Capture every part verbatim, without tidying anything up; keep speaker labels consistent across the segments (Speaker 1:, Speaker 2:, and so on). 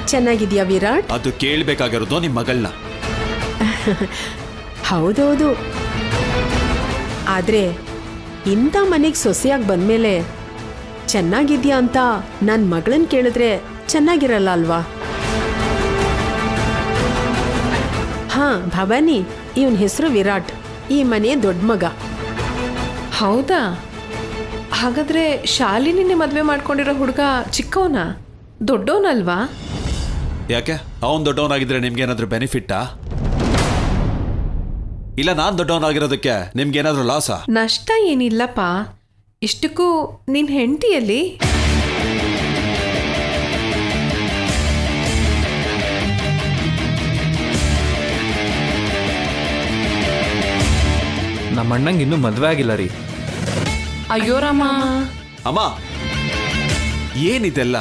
Speaker 1: ಚೆನ್ನಾಗಿದ್ಯಾ ವಿರಾಟ್?
Speaker 2: ಅದು ಕೇಳಬೇಕಾಗಿರೋದು ನಿಮ್ಮ ಮಗಳನ್ನ.
Speaker 1: ಹೌದೌದು, ಆದ್ರೆ ಇಂಥ ಮನೆಗೆ ಸೊಸೆಯಾಗಿ ಬಂದ್ಮೇಲೆ ಚೆನ್ನಾಗಿದ್ಯಾ ಅಂತ ನನ್ನ ಮಗಳನ್ನ ಕೇಳಿದ್ರೆ ಚೆನ್ನಾಗಿರಲ್ಲ ಅಲ್ವಾ? ಹಾ ಭವಾನಿ, ಇವನ್ ಹೆಸರು ವಿರಾಟ್, ಈ ಮನೆಯ ದೊಡ್ಡ ಮಗ.
Speaker 3: ಹೌದಾ? ಹಾಗಾದ್ರೆ ಶಾಲಿನಿನೇ ಮದ್ವೆ ಮಾಡ್ಕೊಂಡಿರೋ ಹುಡುಗ ಚಿಕ್ಕವನ, ದೊಡ್ಡವನಲ್ವಾ?
Speaker 2: ಯಾಕೆ ಅವನ್ ದೊಡ್ಡವನಾಗಿದ್ರೆ ನಿಮ್ಗೇನಾದ್ರೂ ಬೆನಿಫಿಟ್ಟಾ? ಇಲ್ಲ ನಾನ್ ದೊಡ್ಡವನಾಗಿರೋದಕ್ಕೆ ನಿಮ್ಗೇನಾದ್ರೂ ಲಾಸಾ?
Speaker 3: ನಷ್ಟ ಏನಿಲ್ಲಪ್ಪ. ಇಷ್ಟಕ್ಕೂ ನಿನ್ ಹೆಂಡತಿಯಲ್ಲಿ
Speaker 4: ನಮ್ಮ ಅಣ್ಣಂಗೆ ಇನ್ನೂ ಮದುವೆ ಆಗಿಲ್ಲ ರೀ.
Speaker 5: ಅಯ್ಯೋ ರಾಮ.
Speaker 2: ಅಮ್ಮ ಏನಿದೆಲ್ಲ?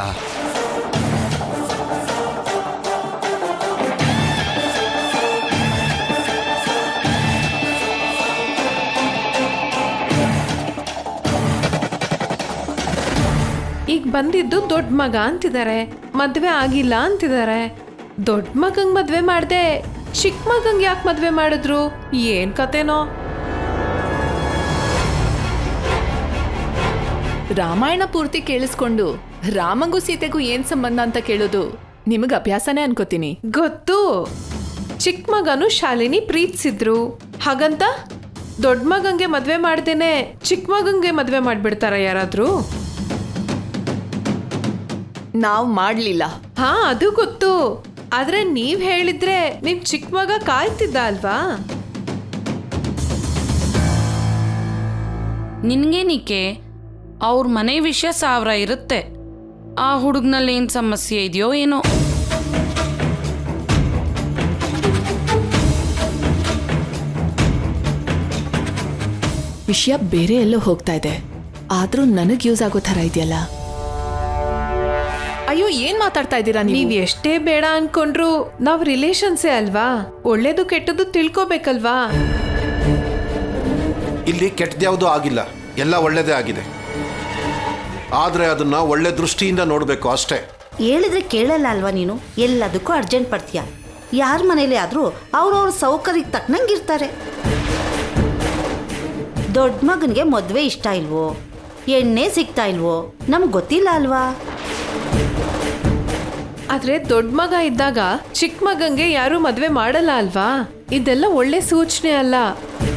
Speaker 3: ಈಗ ಬಂದಿದ್ದು ದೊಡ್ಡ ಮಗ ಅಂತಿದ್ದಾರೆ, ಮದ್ವೆ ಆಗಿಲ್ಲ ಅಂತಿದ್ದಾರೆ. ದೊಡ್ಡ ಮಗಂಗ್ ಮದ್ವೆ ಮಾಡ್ದೆ ಚಿಕ್ಕ ಮಗಂಗ್ ಯಾಕೆ ಮದ್ವೆ ಮಾಡಿದ್ರು? ಏನ್ ಕತೆನೋ.
Speaker 5: ರಾಮಾಯಣ ಪೂರ್ತಿ ಕೇಳಿಸ್ಕೊಂಡು ರಾಮಂಗೂ ಸೀತೆಗೂ ಏನ್ ಸಂಬಂಧ ಅಂತ ಕೇಳೋದು ನಿಮಗ್ ಅಭ್ಯಾಸನೇ ಅನ್ಕೋತೀನಿ.
Speaker 3: ಗೊತ್ತು, ಚಿಕ್ಕ ಮಗನು ಶಾಲಿನಿ ಪ್ರೀತಿಸಿದ್ರು, ಹಾಗಂತ ದೊಡ್ಡ ಮಗಂಗೆ ಮದ್ವೆ ಮಾಡ್ದೇನೆ ಚಿಕ್ಕ ಮಗಂಗೆ ಮದ್ವೆ ಮಾಡ್ಬಿಡ್ತಾರ ಯಾರಾದ್ರೂ?
Speaker 5: ನಾವ್ ಮಾಡ್ಲಿಲ್ಲ.
Speaker 3: ಹಾ ಅದು ಗೊತ್ತು, ಆದ್ರೆ ನೀವ್ ಹೇಳಿದ್ರೆ ನಿಮ್ ಚಿಕ್ಕ ಮಗ ಕಾಯ್ತಿದ್ದ ಅಲ್ವಾ?
Speaker 6: ನಿನ್ಗೇನಿಕೆ, ಅವ್ರ ಮನೆ ವಿಷಯ ಸಾವಿರ ಇರುತ್ತೆ. ಆ ಹುಡುಗನಲ್ಲಿ ಏನು ಸಮಸ್ಯೆ ಇದೆಯೋ ಏನೋ.
Speaker 5: ವಿಷಯ ಬೇರೆ ಎಲ್ಲೋ ಹೋಗ್ತಾ ಇದೆ, ಆದ್ರೂ ನನಗ್ ಯೂಸ್ ಆಗೋ ಥರ ಇದೆಯಲ್ಲ. ಅಯ್ಯೋ, ಏನ್ ಮಾತಾಡ್ತಾ ಇದ್ದೀರಾ ನೀವು?
Speaker 3: ನೀವ್ ಎಷ್ಟೇ ಬೇಡ ಅನ್ಕೊಂಡ್ರು ನಾವ್ ರಿಲೇಷನ್ಸೇ ಅಲ್ವಾ? ಒಳ್ಳೇದು ಕೆಟ್ಟದ್ದು ತಿಳ್ಕೊಬೇಕಲ್ವಾ?
Speaker 7: ಇಲ್ಲಿ ಕೆಟ್ಟದ್ಯಾವುದೂ ಆಗಿಲ್ಲ, ಎಲ್ಲ ಒಳ್ಳೇದೇ ಆಗಿದೆ. ಆದ್ರೆ ಅದನ್ನ ಒಳ್ಳೆ ದೃಷ್ಟಿಯಿಂದ ನೋಡ್ಬೇಕು ಅಷ್ಟೇ.
Speaker 8: ಹೇಳಿದ್ರೆ ಕೇಳಲ್ಲ ಅಲ್ವಾ ನೀನು? ಎಲ್ಲದಕ್ಕೂ ಅರ್ಜೆಂಟ್ ಪಡ್ತೀಯ. ಯಾರ ಮನೇಲಿ ಆದ್ರೂ ಅವ್ರವ್ರ ಸೌಕರ್ಯಕ್ಕೆ ತಕ್ಕನಂಗಿರ್ತಾರೆ. ದೊಡ್ಡ ಮಗನಿಗೆ ಮದ್ವೆ ಇಷ್ಟ ಇಲ್ವೋ, ಎಣ್ಣೆ ಸಿಗ್ತಾ ಇಲ್ವೋ ನಮ್ಗೆ ಗೊತ್ತಿಲ್ಲ ಅಲ್ವಾ?
Speaker 3: ಆದ್ರೆ ದೊಡ್ಡ ಮಗ ಇದ್ದಾಗ ಚಿಕ್ಕ ಮಗಂಗೆ ಯಾರು ಮದ್ವೆ ಮಾಡಲ್ಲ ಅಲ್ವಾ? ಇದೆಲ್ಲ ಒಳ್ಳೆ ಸೂಚನೆ ಅಲ್ಲ.